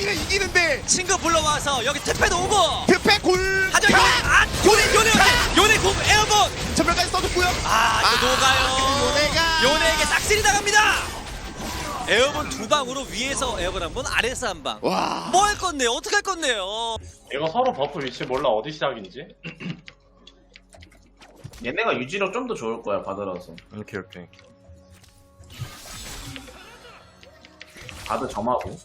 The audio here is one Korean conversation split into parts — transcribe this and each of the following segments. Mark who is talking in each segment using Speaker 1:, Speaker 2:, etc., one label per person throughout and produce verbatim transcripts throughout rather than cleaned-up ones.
Speaker 1: 아니면 이기는데
Speaker 2: 친구 불러와서 여기 특패도 오고
Speaker 1: 득패 골.
Speaker 2: 하지만 요, 아 요네 요네 요네 공 에어본
Speaker 1: 전멸까지 써줬고요.
Speaker 2: 아 이거 녹아요.
Speaker 1: 요네가
Speaker 2: 요네에게 싹쓸이 당합니다. 에어본 두 방으로 위에서 에어본 한 번, 아래서 한 방.
Speaker 1: 와.
Speaker 2: 뭐 할 건데요? 어떻게 할 건데요?
Speaker 3: 이거 서로 버프 위치 몰라 어디 시작인지.
Speaker 4: 얘네가 유지력 좀 더 좋을 거야 받으라서.
Speaker 5: 오케이 오케이.
Speaker 4: 바드 점하고.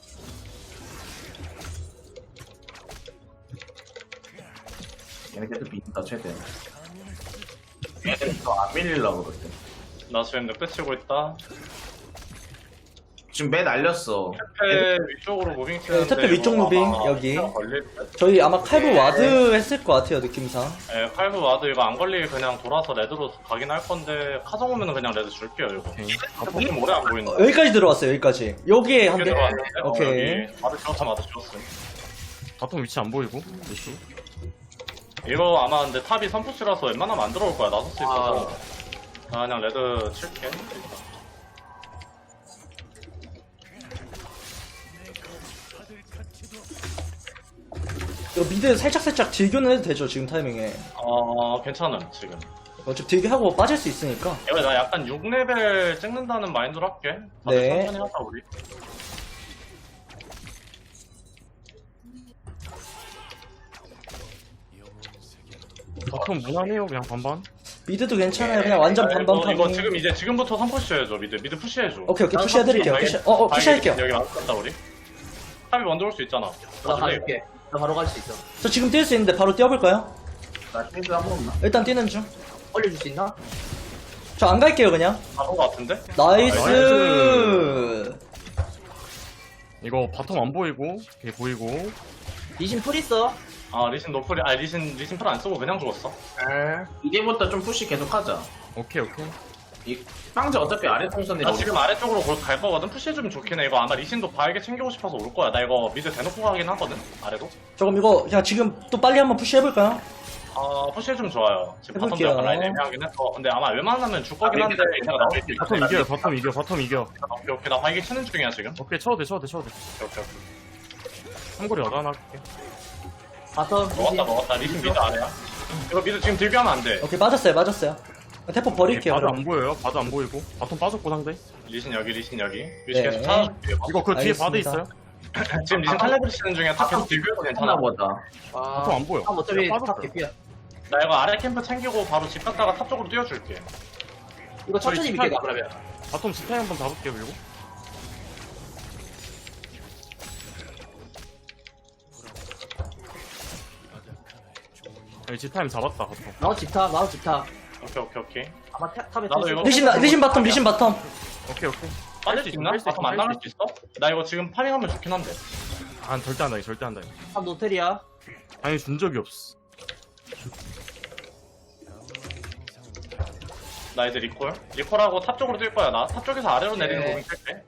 Speaker 4: 얘네 계속 빈다 최대. 얘네 더안 밀리려고 그럴 때.
Speaker 3: 나 지금 늑대 치고 있다.
Speaker 4: 지금 매 날렸어.
Speaker 3: 태페 위쪽으로 무빙 치는데
Speaker 6: 태페 위쪽
Speaker 3: 이거
Speaker 6: 무빙,
Speaker 3: 아마
Speaker 6: 여기.
Speaker 3: 시간 걸릴 듯?
Speaker 6: 저희 아마 칼부 와드 했을 것 같아요, 느낌상.
Speaker 3: 예, 칼브 와도 이거 안 걸리게 그냥 돌아서 레드로 가긴 할 건데 카정 오면은 그냥 레드 줄게요 이거.
Speaker 5: 오케이.
Speaker 3: 버프 좀 오래 안 보인다.
Speaker 6: 어, 여기까지 들어왔어요, 여기까지. 여기에 한 개.
Speaker 3: 들어왔는데? 어,
Speaker 6: 오케이.
Speaker 3: 여기. 마드 지웠어 마드 지웠어.
Speaker 5: 바텀 위치 안 보이고 이씨.
Speaker 3: 이거 아마 근데 탑이 선푸시라서 웬만하면 안 들어올 거야 나서스 있어서. 나 그냥 레드 칠게.
Speaker 6: 이거 미드 살짝살짝 딜교는 해도 되죠, 지금 타이밍에.
Speaker 3: 어 괜찮음 지금.
Speaker 6: 어차피 딜교하고 빠질 수 있으니까.
Speaker 3: 이거 나 약간 육 레벨 찍는다는 마인드로 할게. 다들
Speaker 6: 네.
Speaker 3: 천천히 하자 우리.
Speaker 5: 바텀 무난해요 그냥 반반.
Speaker 6: 미드도 괜찮아요, 그냥 완전
Speaker 3: 아,
Speaker 6: 반반
Speaker 3: 이거,
Speaker 6: 타밍.
Speaker 3: 이거 지금 이제 지금부터 선푸시 해줘 미드 미드 푸시해줘.
Speaker 6: 오케이, 오케이, 푸시해드릴게요. 푸시, 어, 어, 푸시할게요.
Speaker 3: 여기 맞았다 우리. 탑이 먼저 올 수 있잖아.
Speaker 7: 나 가줄게. 나 바로 갈 수 있어.
Speaker 6: 저 지금 뛸 수 있는데 바로 뛰어볼까요?
Speaker 4: 나 탱크 한번 없나?
Speaker 6: 일단 뛰는 중.
Speaker 7: 올려줄 수 있나?
Speaker 6: 저 안 갈게요, 그냥.
Speaker 3: 바로 같은데?
Speaker 6: 나이스!
Speaker 5: 나이스. 이거 바텀 안 보이고 걔 보이고.
Speaker 7: 리신 풀 있어.
Speaker 3: 아 리신 노플이 아 리신 리신 풀 안 쓰고 그냥 죽었어.
Speaker 4: 이제부터 좀 푸시 계속 하자.
Speaker 5: 오케이 오케이.
Speaker 4: 이 빵제 어차피 아래 통선에
Speaker 3: 나 지금 아래쪽으로 골- 갈 거거든. 푸시해주면 좋긴 해. 이거 아마 리신도 바에게 챙기고 싶어서 올 거야. 나 이거 미드 대놓고 가긴 하거든. 아래로.
Speaker 6: 조금 이거 그냥 지금 또 빨리 한번 푸시해볼까요?
Speaker 3: 아 푸시해주면 좋아요. 지금 바텀도
Speaker 6: 해볼게요.
Speaker 3: 약간 라인 애매하긴 했어. 근데 아마 웬만하면 줄 거긴
Speaker 4: 아,
Speaker 3: 한데
Speaker 4: 미드
Speaker 3: 이따가 나올 수 있어.
Speaker 5: 바텀 이겨요 바텀 이겨 바텀 이겨.
Speaker 3: 오케이 오케이 나 바이게 치는 중이야 지금.
Speaker 5: 오케이 쳐도 돼 쳐도 돼 쳐도 돼.
Speaker 3: 오케이 오케이. 오케이.
Speaker 5: 삼거리 여단 할게.
Speaker 7: 바텀
Speaker 3: 먹었다
Speaker 7: 리신.
Speaker 3: 먹었다. 리신 미드 아래야. 이거 미드 지금 딜교하면 안 돼.
Speaker 6: 오케이, 맞았어요, 맞았어요. 태포 버릴게요,
Speaker 5: 바드
Speaker 6: 그럼.
Speaker 5: 안 보여요. 바드 안 보이고. 바텀 빠졌고 상대.
Speaker 3: 리신 여기 리신 여기. 위치
Speaker 6: 네.
Speaker 3: 계속 찾아줄게.
Speaker 5: 이거 그 뒤에 바드
Speaker 6: 알겠습니다.
Speaker 5: 있어요.
Speaker 3: 지금 리신 탈레브리 치는 중이야. 탑 계속 딜교해도 괜찮아.
Speaker 4: 하나 보다.
Speaker 7: 아,
Speaker 5: 바텀 안 보여.
Speaker 7: 아, 어차피
Speaker 5: 빠졌어요.
Speaker 7: 탑 개피야.
Speaker 3: 나 이거 아래 캠프 챙기고 바로 집 갔다가 탑 쪽으로 뛰어줄게.
Speaker 7: 이거 천천히
Speaker 5: 저희
Speaker 7: 밀게 가
Speaker 5: 스타일-
Speaker 7: 그러면.
Speaker 5: 바텀 스타일 한번 잡을게요 그리고. 여기 지타임 잡았다 바텀.
Speaker 7: 나도 집탑, 나도 집탑.
Speaker 3: 오케이 오케이 오케이.
Speaker 7: 아마 탑, 탑에
Speaker 3: 나도
Speaker 7: 탑
Speaker 3: 이거-
Speaker 6: 리신, 리신 바텀, 리신 바텀.
Speaker 5: 오케이 오케이.
Speaker 3: 빠질 수 있나?
Speaker 5: 뺄수 있어,
Speaker 3: 바텀 안
Speaker 5: 뺄수
Speaker 3: 나갈
Speaker 5: 있어.
Speaker 3: 수 있어? 나 이거 지금 파밍하면 좋긴 한데.
Speaker 5: 안 절대 안 당해 절대 안 당해.
Speaker 7: 탑 노텔이야.
Speaker 5: 당연히 준 적이 없어.
Speaker 3: 나 이제 리콜. 리콜하고 탑 쪽으로 뛸 거야 나. 탑 쪽에서 아래로 내리는
Speaker 7: 네.
Speaker 3: 무빙 뜰게.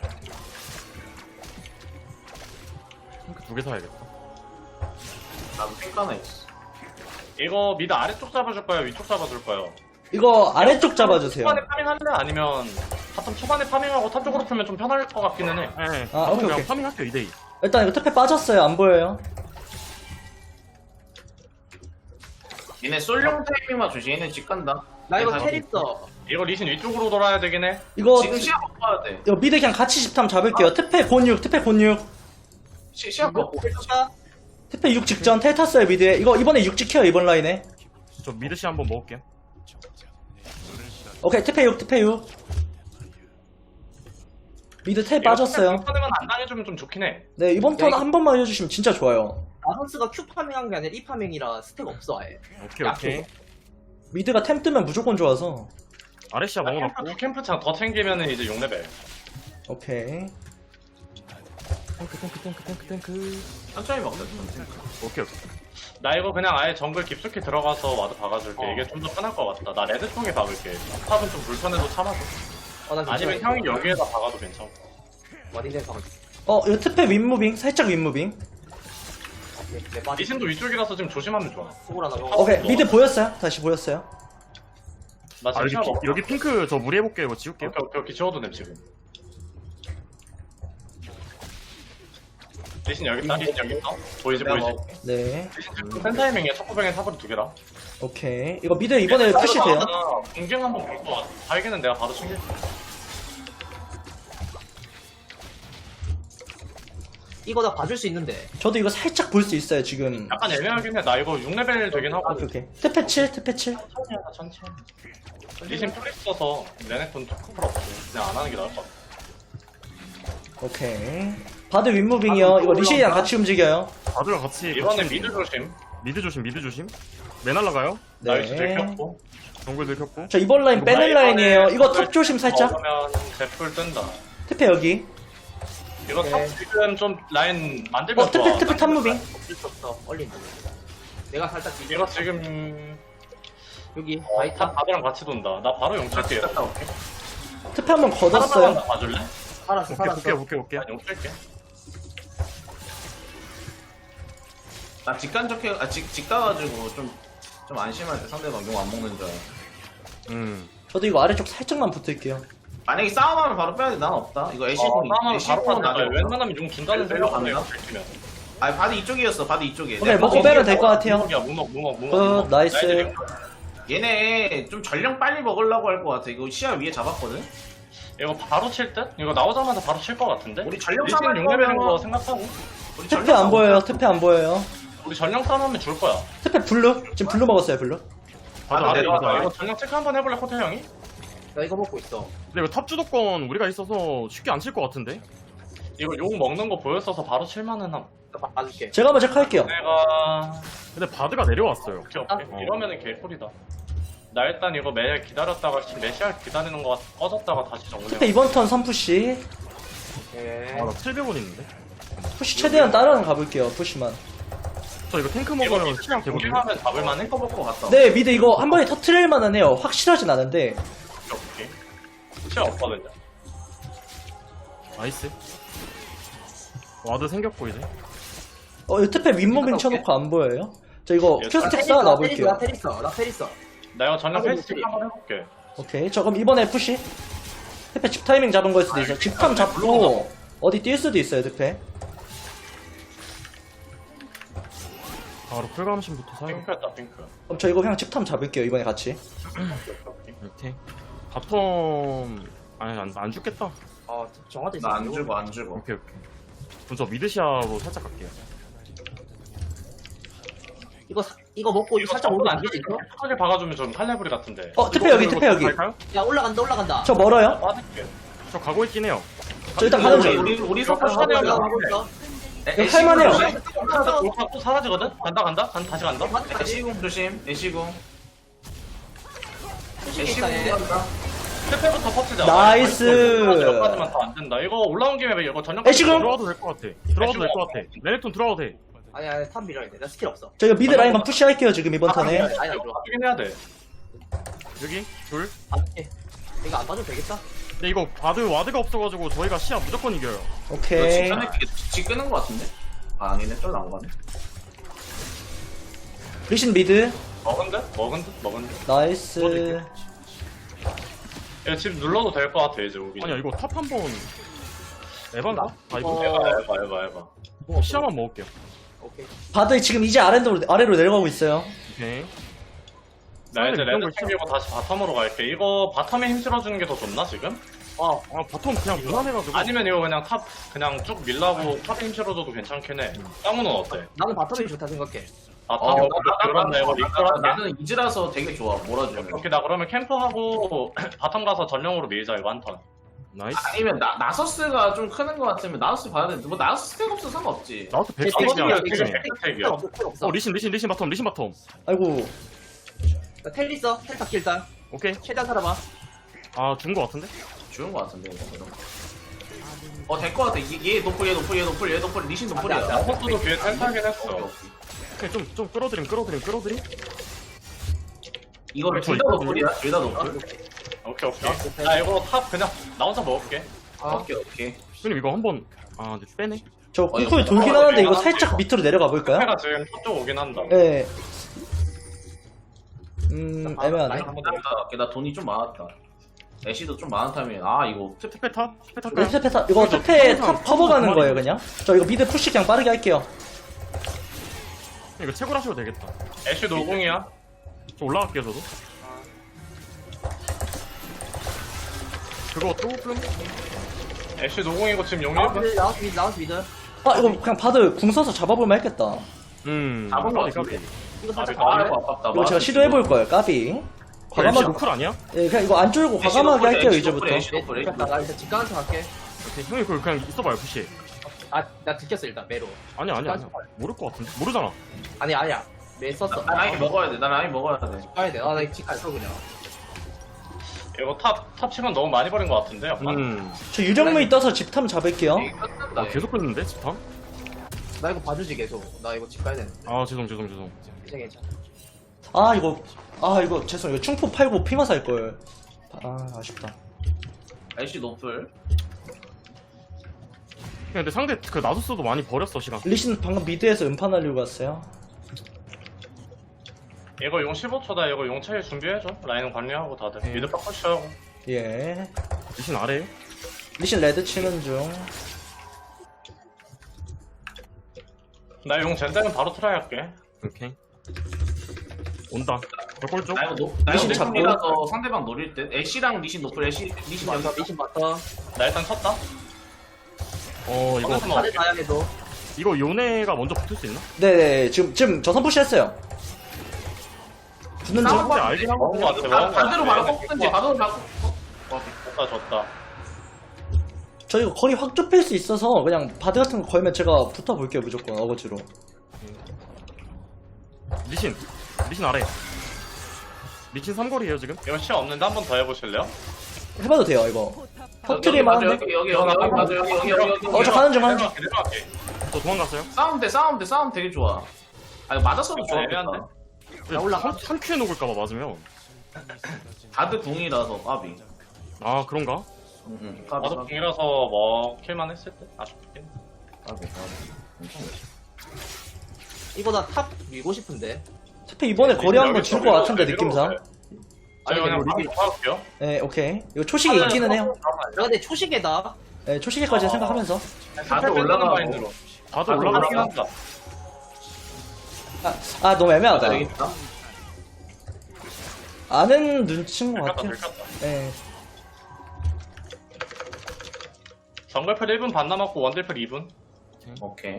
Speaker 5: 핑크 두 개 사야겠다.
Speaker 4: 나도 탱크 하나 있어.
Speaker 3: 이거 미드 아래쪽 잡아줄 거야 위쪽 잡아줄 거야.
Speaker 6: 이거 아래쪽 잡아주세요.
Speaker 3: 초반에 파밍할래? 아니면 바텀 초반에 파밍하고 탑 쪽으로 풀면 좀 편할 것 같기는 해.
Speaker 5: 네.
Speaker 6: 아,
Speaker 5: 바텀
Speaker 6: 오케이,
Speaker 5: 그냥
Speaker 6: 오케이.
Speaker 5: 파밍할게요 이 대 이.
Speaker 6: 일단 이거 특패 빠졌어요, 안 보여요.
Speaker 4: 얘네 솔룡 타이밍만 조심. 얘네 집 간다.
Speaker 7: 나 이거
Speaker 4: 얘네
Speaker 7: 텔 있어.
Speaker 3: 이거 리신 위쪽으로 돌아야 되긴 해.
Speaker 6: 이거,
Speaker 4: 지금 시야 못 봐야 돼.
Speaker 6: 이거 미드 그냥 같이 집탐 잡을게요. 특패 곤육, 특패 곤육.
Speaker 4: 시, 시야
Speaker 7: 이거
Speaker 4: 못
Speaker 7: 텔
Speaker 6: 특패 육 직전 텔 탔어요, 미드에. 이거 이번에 육 지켜요, 이번 라인에.
Speaker 5: 저 미드시 한번 먹을게요.
Speaker 6: 오케이, 특패 육, 특패 육. 미드 텔 빠졌어요.
Speaker 3: 파밍만 안 당해주면 좀 좋긴 해.
Speaker 6: 네, 이번 턴 한 번만 해주시면 진짜 좋아요.
Speaker 7: 나선스가 Q 파밍한 게 아니라 E 파밍이라 스택 없어 아예.
Speaker 5: 오케이 오케이.
Speaker 6: 미드가 템 뜨면 무조건 좋아서.
Speaker 5: 아레시아 먹어놨고.
Speaker 3: 캠프, 캠프창 더 챙기면은 이제 육 레벨.
Speaker 6: 오케이.
Speaker 5: 탱크 탱크 탱크 탱크 탱크.
Speaker 4: 천천히 먹자. 천천히.
Speaker 5: 오케이 오케이.
Speaker 3: 나 이거 그냥 아예 정글 깊숙이 들어가서 와드 박아줄게.
Speaker 7: 어.
Speaker 3: 이게 좀 더 편할 것 같다. 나 레드 쪽에 박을게. 탑은 좀 불편해도 참아줘.
Speaker 7: 어, 나
Speaker 3: 아니면 형이 여기에다 박아도 괜찮고.
Speaker 7: 와딩된 상황.
Speaker 6: 어, 이거 특패 윗무빙, 살짝 윗무빙.
Speaker 7: 내 빠지.
Speaker 3: 리신도 위쪽이라서 지금 조심하면 좋아.
Speaker 7: 소굴 하나 먹어.
Speaker 6: 오케이, 미드 보였어요? 다시 보였어요?
Speaker 3: 나
Speaker 5: 아
Speaker 3: 지금
Speaker 5: 여기,
Speaker 3: 시야
Speaker 5: 피,
Speaker 3: 먹어.
Speaker 5: 여기 핑크 저 무리해볼게요. 이거 지울게요.
Speaker 3: 오케이 오케이 오케이 지워도 돼 지금. 리신 여기 있다. 리신 여기 있다. 보이지
Speaker 4: 내가
Speaker 3: 보이지.
Speaker 4: 먹을게.
Speaker 6: 네.
Speaker 3: 리신 센 타이밍에 첫구병에 탑으로 두 개라.
Speaker 6: 오케이. 이거 미드 이번에 푸시 돼요?
Speaker 3: 공격 한번 볼거 같아. 발기는 내가 바로 챙길게.
Speaker 7: 이거 나 봐줄 수 있는데.
Speaker 6: 저도 이거 살짝 볼 수 있어요, 지금.
Speaker 3: 약간 애매하긴 해. 나 이거 육 레벨 되긴 하고.
Speaker 6: 오케이, 오케이. 테페 칠, 테페 칠.
Speaker 3: 천천히 하자, 천천히. 리신 풀 있어서 레넥톤 초크풀 없고 그냥 안 하는 게 나을 것 같아.
Speaker 6: 오케이. 바드 윗무빙이요. 이거 리신이랑 같이 움직여요.
Speaker 5: 바드랑 같이
Speaker 3: 이번에
Speaker 5: 같이
Speaker 3: 미드 조심.
Speaker 5: 미드 조심 미드 조심. 매 날라가요.
Speaker 3: 나이스
Speaker 6: 네.
Speaker 3: 들켰고.
Speaker 5: 정글 들켰고.
Speaker 6: 저 이번 라인 빼는 라인이에요. 이거 탑 조심 살짝.
Speaker 3: 먹으면 제풀 뜬다.
Speaker 6: 테페 여기.
Speaker 3: 이거 탑 지금 좀 라인 만들면
Speaker 6: 어,
Speaker 3: 좋아.
Speaker 6: 테페, 테페 탑 무빙.
Speaker 7: 어쩔 수 없어. 얼린다. 내가 살짝 뒤
Speaker 3: 이거 지금
Speaker 7: 여기
Speaker 3: 어,
Speaker 7: 바이타.
Speaker 3: 탑 바드랑 같이 돈다. 나 바로 용 칠게.
Speaker 4: 갔다 올게.
Speaker 6: 테페 한번
Speaker 3: 하나만
Speaker 6: 걷었어요.
Speaker 3: 봐줄래?
Speaker 7: 살았어
Speaker 5: 오케이
Speaker 7: 살았어.
Speaker 5: 오케이 오케이 오케이.
Speaker 3: 나 용 칠게.
Speaker 4: 나 직간적해, 아, 직, 직 가가지고 좀, 좀 안심할 때 상대방 용 안 먹는 줄 알아.
Speaker 5: 음.
Speaker 6: 저도 이거 아래쪽 살짝만 붙을게요.
Speaker 4: 만약에 싸움하면 바로 빼야 돼. 난 없다. 이거
Speaker 3: 어,
Speaker 4: 애쉬공,
Speaker 3: 싸움하면 바로
Speaker 4: 애쉬공은
Speaker 3: 빠져.
Speaker 4: 나중에.
Speaker 3: 웬만하면 용 준다는
Speaker 4: 별로
Speaker 3: 생각으로
Speaker 4: 간다?
Speaker 3: 이거 들키면.
Speaker 4: 아니, 바드 이쪽이었어. 바드 이쪽에.
Speaker 6: 오케이,
Speaker 4: 내가
Speaker 6: 먹고
Speaker 4: 거기
Speaker 6: 빼면 될 것 같아요.
Speaker 3: 무먹이야 무먹 무먹 무먹.
Speaker 6: 어,
Speaker 3: 무먹.
Speaker 6: 나이스.
Speaker 3: 나이스.
Speaker 4: 얘네 좀 전령 빨리 먹으려고 할 것 같아. 이거 시야 위에 잡았거든?
Speaker 3: 이거 바로 칠 듯? 이거 나오자마자 바로 칠 것 같은데?
Speaker 4: 우리 전령
Speaker 3: 리신
Speaker 4: 싸움
Speaker 3: 용 레벨인 거 생각하고
Speaker 4: 우리
Speaker 6: 테페
Speaker 4: 전령
Speaker 6: 안
Speaker 4: 싸움
Speaker 6: 보여요. 테페 안 보여요.
Speaker 3: 우리 전령 싸움하면 줄 거야.
Speaker 6: 테페 블루. 지금 블루 먹었어요, 블루.
Speaker 5: 바드
Speaker 4: 아,
Speaker 5: 아래
Speaker 4: 네,
Speaker 5: 바드
Speaker 3: 이거
Speaker 5: 아래.
Speaker 3: 전령 체크 한번 해볼래 코트 형이?
Speaker 7: 나 이거 먹고 있어.
Speaker 5: 근데 이거 탑 주도권 우리가 있어서 쉽게 안 칠 것 같은데.
Speaker 3: 이거 용 먹는 거 보였어서 바로 칠만은 함.
Speaker 7: 나 봐줄게.
Speaker 6: 제가 한번 체크할게요.
Speaker 3: 내가
Speaker 5: 근데 바드가 내려왔어요.
Speaker 3: 오케이 오케이
Speaker 5: 어.
Speaker 3: 이러면은 개꿀이다. 나 일단 이거 매 기다렸다가 지금 메시아 기다리는 거 꺼졌다가 다시 정리해.
Speaker 6: 테페 이번 턴 삼 푸시.
Speaker 7: 예.
Speaker 5: 아나 칠백 원 있는데.
Speaker 6: 푸시 최대한 따라는 가볼게요, 푸시만.
Speaker 5: 저 이거 탱크 먹으면 시장 되거든요.
Speaker 3: 공격하면 잡을만해?
Speaker 4: 탱커 먹고 갔다.
Speaker 6: 네, 미드 이거 한 번에 터트릴 만은 해요. 확실하진 않은데.
Speaker 3: 오케이. 시야 없거든요.
Speaker 5: 나이스. 와드 생겼고 이제.
Speaker 6: 어, 이 테페 윗무빙 쳐놓고 안 보여요? 저 이거 큐스택 쌓아 놔볼게요.
Speaker 7: 나 테리스, 나 테리스.
Speaker 3: 나 이거 전령
Speaker 7: 하고
Speaker 3: 페이스 체크
Speaker 7: 있지.
Speaker 3: 한번 해볼게.
Speaker 6: 오케이, 저 그럼 이번에 푸시. 테페 집 타이밍 잡은 거일 수도 있어요. 집탐 잡고 어디 뛸 수도 있어요, 테페.
Speaker 5: 바로 풀감심부터 사용.
Speaker 3: 핑크였다 핑크.
Speaker 6: 그럼 저 이거 그냥 집탐 잡을게요, 이번에 같이.
Speaker 5: 오케이. 바텀 아니 안, 안 죽겠다.
Speaker 7: 어, 정화도 있어.
Speaker 4: 나 안 주고, 안 주고.
Speaker 5: 오케이 오케이. 그럼 저 미드시아로 살짝 갈게요.
Speaker 7: 이거 사- 이거 먹고 이거 살짝 오르면 안 되지 이거?
Speaker 3: 끝까지 박아주면 좀 칼레브리 같은데.
Speaker 6: 어, 테페 여기, 테페 여기.
Speaker 5: 갈까요?
Speaker 7: 야 올라간다 올라간다.
Speaker 6: 저 멀어요?
Speaker 3: 빠질게.
Speaker 5: 저 가고 있긴 해요.
Speaker 6: 저 일단
Speaker 4: 우리,
Speaker 6: 가는
Speaker 4: 우리,
Speaker 6: 중.
Speaker 4: 우리, 우리
Speaker 3: 이거
Speaker 4: 서포트
Speaker 3: 하고
Speaker 4: 하자.
Speaker 3: 있어.
Speaker 7: 하고 있어.
Speaker 6: 이거 할만해요.
Speaker 3: 올카 또 사라지거든? 간다 간다? 간, 다시 간다?
Speaker 4: 애쉬공 조심, 애쉬공.
Speaker 7: 애쉬공
Speaker 4: 간다.
Speaker 3: 스텝부터 퍼트자.
Speaker 6: 나이스.
Speaker 3: 여기까지만 더 안 된다. 이거 올라온 김에 이거 전력.
Speaker 6: 애쉬공.
Speaker 5: 들어와도 될 것 같아. 들어와도 될 것 같아. 레넥톤 들어와도 돼.
Speaker 7: 아니 아니 탑 밀어야 돼. 나 스킬 없어.
Speaker 6: 저 이거 미드 라인만 푸시할게요, 지금 이번 턴에.
Speaker 7: 아니 안 좋아.
Speaker 3: 바꾸긴 해야 돼.
Speaker 5: 여기 둘.
Speaker 7: 봐줄게. 이거 안 봐줘도 되겠다.
Speaker 5: 근데 이거 바드 와드가 없어가지고 저희가 시야 무조건 이겨요.
Speaker 4: 너
Speaker 6: 오케이.
Speaker 4: 직전에 지 끄는 거 같은데? 아, 아니네. 쫄 나온 거네.
Speaker 6: 리신 미드.
Speaker 3: 먹은 듯? 먹은 듯? 먹은 듯?
Speaker 6: 나이스.
Speaker 3: 이거 지금 눌러도 될 것 같아 이제 우리.
Speaker 5: 아니야 이거 탑 한번 에반가? 아 이거
Speaker 7: 어.
Speaker 3: 해봐 해봐 해봐 해봐.
Speaker 5: 시야만 먹을게요.
Speaker 7: 오케이.
Speaker 6: 바드 지금 이제 아래로, 아래로 내려가고 있어요.
Speaker 5: 오케이.
Speaker 3: 나 이제
Speaker 5: 이런 거
Speaker 3: 레드 챙기고 다시 바텀으로 갈게. 이거 바텀에 힘 실어주는 게 더 좋나 지금?
Speaker 5: 아, 아 바텀 그냥 무난해가지고.
Speaker 3: 아니면 이거 그냥 탑 그냥 쭉 밀라고 탑에 힘 실어줘도 괜찮긴 해. 쌍우는 어때?
Speaker 7: 나는 바텀이 좋다 생각해.
Speaker 3: 아
Speaker 4: 어,
Speaker 3: 탑이
Speaker 4: 나-
Speaker 3: 그렇네. 이거
Speaker 4: 나-
Speaker 3: 링크라는 게.
Speaker 4: 나는 이즈라서 되게 좋아. 몰아주면.
Speaker 3: 오케이 나 그러면 캠프하고 바텀 가서 전령으로 밀자 이거 한 턴.
Speaker 5: 나이스.
Speaker 4: 아니면 나, 나서스가 좀 크는 거 같으면 나서스 봐야 되는데 뭐 나서스 스택 없어 상관없지.
Speaker 5: 나우트
Speaker 7: 제
Speaker 5: 백스택이야.
Speaker 3: 나머지는
Speaker 7: 스킬
Speaker 3: 지금
Speaker 7: 스킬
Speaker 3: 백스택이야.
Speaker 7: 없어 스킬 없어.
Speaker 5: 어 리신 리신 리신 바텀 리신 바텀.
Speaker 6: 아이고.
Speaker 7: 나 텔 있어. 텔 탑기 일단.
Speaker 5: 오케이.
Speaker 7: 최대한 살아봐.
Speaker 5: 아 죽은 거 같은데?
Speaker 4: 좋은 거 같은데 이거. 이런 거. 어, 될 거 같아. 얘, 얘 노플, 얘 노플, 얘 노플, 얘 노플, 리신 노플이야.
Speaker 7: 안 돼, 안 돼,
Speaker 3: 나서스도 뒤에 탈타긴 했어.
Speaker 5: 오케이 좀 좀 끌어들임 끌어들임 끌어들임.
Speaker 4: 이거를 둘 다 노플이야. 둘 다 노플.
Speaker 3: 오케이 오케이. 나 이거 탑 그냥 나 혼자 먹을게.
Speaker 7: 아,
Speaker 4: 오케이, 오케이.
Speaker 5: 형님 이거 한번 아 근데 빼네.
Speaker 6: 저
Speaker 4: 어,
Speaker 6: 쿵쿵이
Speaker 4: 이거
Speaker 6: 돌긴
Speaker 3: 어,
Speaker 6: 하는데 이거
Speaker 3: 이거
Speaker 6: 살짝 밑으로 내려가 볼까요?
Speaker 3: 해가 지금 저쪽 오긴 한다.
Speaker 6: 예. 음, 애매하네.
Speaker 4: 나, 나 돈이 좀 많았다. 애쉬도 좀 많은 타이밍. 아 이거 특
Speaker 3: 특패 탑? 특패 탑
Speaker 6: 네,
Speaker 3: 가요?
Speaker 6: 스페 타 이거
Speaker 3: 저
Speaker 6: 스페
Speaker 3: 탑
Speaker 6: 탑 커버 가는
Speaker 3: 탑
Speaker 6: 거예요
Speaker 3: 탑
Speaker 6: 그냥. 저 이거 미드 푸시 그냥 빠르게 할게요.
Speaker 3: 이거 채굴 하셔도 되겠다.
Speaker 2: 네.
Speaker 3: 애쉬 노공이야. 저 올라갈게요 저도. 그거 조금 애쉬 노공이고 지금 용
Speaker 7: 나우스
Speaker 3: 일 분?
Speaker 7: 미드 나우스 미드 나우스 미드.
Speaker 6: 아 이거 그냥 바드 궁 써서 잡아볼만 했겠다.
Speaker 3: 음
Speaker 4: 잡은 거
Speaker 3: 까비,
Speaker 4: 같은데?
Speaker 3: 까비.
Speaker 7: 이거 살짝
Speaker 3: 아,
Speaker 4: 아
Speaker 7: 가볼래?
Speaker 4: 이거 아깝다.
Speaker 6: 이거 제가 시도해볼 거예요. 까비.
Speaker 3: 애쉬
Speaker 6: 과감하게.
Speaker 3: 노쿨 아니야?
Speaker 6: 예, 그냥 이거 안 쫄고 과감하게 할게요 이제부터.
Speaker 4: 애쉬 노플 애쉬
Speaker 7: 나,
Speaker 4: 노플.
Speaker 7: 나 일단 집 가는 척 할게.
Speaker 3: 오케이, 형이 그걸 그냥 있어봐요 푸시.
Speaker 7: 아, 나 들켰어 일단 매로.
Speaker 3: 아니야 아니야 아니야. 모를 것 같은데? 모르잖아.
Speaker 7: 아니 아니야. 매 썼어.
Speaker 4: 나 라인 먹어야 돼. 나 라인 먹어야 돼.
Speaker 7: 가야 돼. 아나집 갔어 그냥.
Speaker 3: 이거 탑, 탑 시간 너무 많이 버린 것 같은데 약간? 음.
Speaker 6: 저 유령무이 떠서 집탐 잡을게요.
Speaker 7: 나,
Speaker 3: 아 계속 뺐는데 집탐?
Speaker 7: 나 이거 봐주지 계속. 나 이거 집 가야 되는데.
Speaker 3: 아 죄송 죄송 죄송.
Speaker 7: 괜찮아 괜찮아.
Speaker 6: 아 이거 아 이거 죄송 이거 충포 팔고 피마 살 걸. 아 아쉽다.
Speaker 4: 애쉬 노플.
Speaker 3: 근데 상대 그 나소스도 많이 버렸어 시간.
Speaker 6: 리신 방금 미드에서 음파 날리고 갔어요.
Speaker 3: 이거 용 십오 초다. 이거 용 차일 준비해줘. 라인 관리하고 다들.
Speaker 6: 네.
Speaker 3: 미드 팍 푸시하고.
Speaker 6: 예.
Speaker 3: 리신 아래에.
Speaker 6: 리신 레드 치는 중.
Speaker 3: 나 용 젠다면 바로 트라이 할게. 오케이. 온다. 저골 쪽.
Speaker 4: 나 이거 노. 나
Speaker 6: 리신
Speaker 4: 이거
Speaker 6: 잡고.
Speaker 4: 노플이라서 상대방 노릴 듯. 애쉬랑 리신 노플. 애쉬 리신
Speaker 7: 맞다
Speaker 4: 여기.
Speaker 7: 미신 맞다.
Speaker 3: 나 일단 쳤다. 어 이거
Speaker 7: 다들 다양해도.
Speaker 3: 이거 요네가 먼저 붙을 수 있나?
Speaker 6: 네네 지금 지금 저 선푸시 했어요. 붙는 중.
Speaker 4: 싸움
Speaker 3: 근데 알긴 하거든.
Speaker 4: 바- 반대로 바로 꺾든지 바로 바로. 어,
Speaker 3: 졌다 졌다.
Speaker 6: 저 이거 거리 확 좁힐 수 있어서 그냥 바드 같은 거 걸면 제가 붙어볼게요 무조건 어거지로.
Speaker 3: 리신. 리신 아래. 리신 삼거리에요 지금? 이거 시야 없는데 한 번 더 해보실래요?
Speaker 6: 해봐도 돼요 이거. 터트릴만 한데.
Speaker 4: 여기 여기 여기 여기 맞아 여기 여기 여기 여기.
Speaker 6: 어 저 가는 중 가는 중.
Speaker 3: 내려갈게. 저 도망갔어요?
Speaker 4: 싸움 돼 싸움 돼 싸움 되게 좋아. 아니 맞았어도
Speaker 3: 아,
Speaker 4: 좋았겠다.
Speaker 3: 애매한데? 야 올라가? 한 큐에 녹을까봐 맞으면.
Speaker 4: 다들 궁이라서 까비.
Speaker 3: 아 그런가?
Speaker 4: 응응. 까비
Speaker 3: 나도
Speaker 4: 까비
Speaker 3: 궁이라서 먹힐만 했을 때 아쉽긴.
Speaker 4: 까비 까비. 괜찮아.
Speaker 7: 이거 나 탑 밀고 싶은데.
Speaker 6: 스페 이번에 거리 한번 줄 것 같은데 느낌상.
Speaker 3: 아니 그냥
Speaker 7: 리뷰.
Speaker 3: 리뷰 할게요.
Speaker 6: 네 오케이. 이거 초식이 있기는 해요.
Speaker 7: 나 근데 초식에다.
Speaker 6: 네 초식에까지 생각하면서.
Speaker 4: 다들 올라가고.
Speaker 3: 마인드로. 다들
Speaker 4: 다들
Speaker 3: 올라가긴
Speaker 4: 올라가.
Speaker 3: 한다.
Speaker 6: 아, 아 너무 애매하다.
Speaker 4: 여기 있다.
Speaker 6: 아는 눈치인 것
Speaker 3: 들켰다
Speaker 6: 같아요.
Speaker 3: 들켰다.
Speaker 6: 네.
Speaker 3: 정글풀 일 분 반 남았고 원딜풀 이 분.
Speaker 4: 오케이.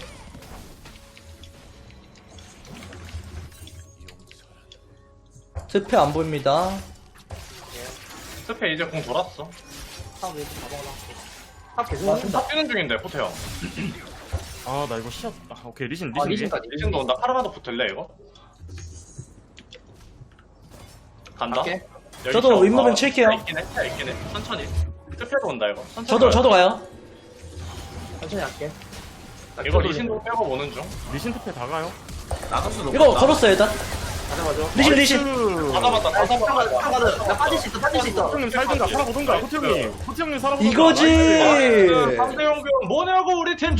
Speaker 6: 스페 안 보입니다.
Speaker 3: 스페 이제 공 돌았어.
Speaker 7: 탑왜 이렇게 잡아놔. 탑 계속 맞춘다.
Speaker 3: 다 뛰는 중인데 호태형. 아 나 이거 시야. 아 오케이 리신
Speaker 7: 아,
Speaker 3: 리신
Speaker 7: 리신까지.
Speaker 3: 리신도 온다. 카르마도 붙을래 이거? 간다.
Speaker 7: 갈게.
Speaker 3: 여기
Speaker 6: 저도
Speaker 3: 시야
Speaker 6: 윗무빙
Speaker 3: 없다.
Speaker 6: 칠게요.
Speaker 3: 시야 있긴 해. 시야 있긴 해. 천천히. 스페도 온다 이거. 천천히
Speaker 6: 저도
Speaker 3: 가요.
Speaker 6: 저도 가요.
Speaker 7: 천천히 할게. 나
Speaker 3: 이거
Speaker 7: 큐
Speaker 3: 리신도 빼고 오는 중. 리신 투페 다 가요.
Speaker 4: 나서스 높.
Speaker 6: 이거 걸었어요 일단.
Speaker 7: 가져가죠.
Speaker 6: 리신 리신.
Speaker 3: 다 잡았다. 다 잡았다.
Speaker 7: 타가드 나 빠질 수 있어 빠질 수 있어.
Speaker 3: 호태형님 살든가 살아보든가. 호태형님. 호태형님 살아보든가.
Speaker 6: 이거지.
Speaker 3: 상대용병 뭐냐고 우리 팀.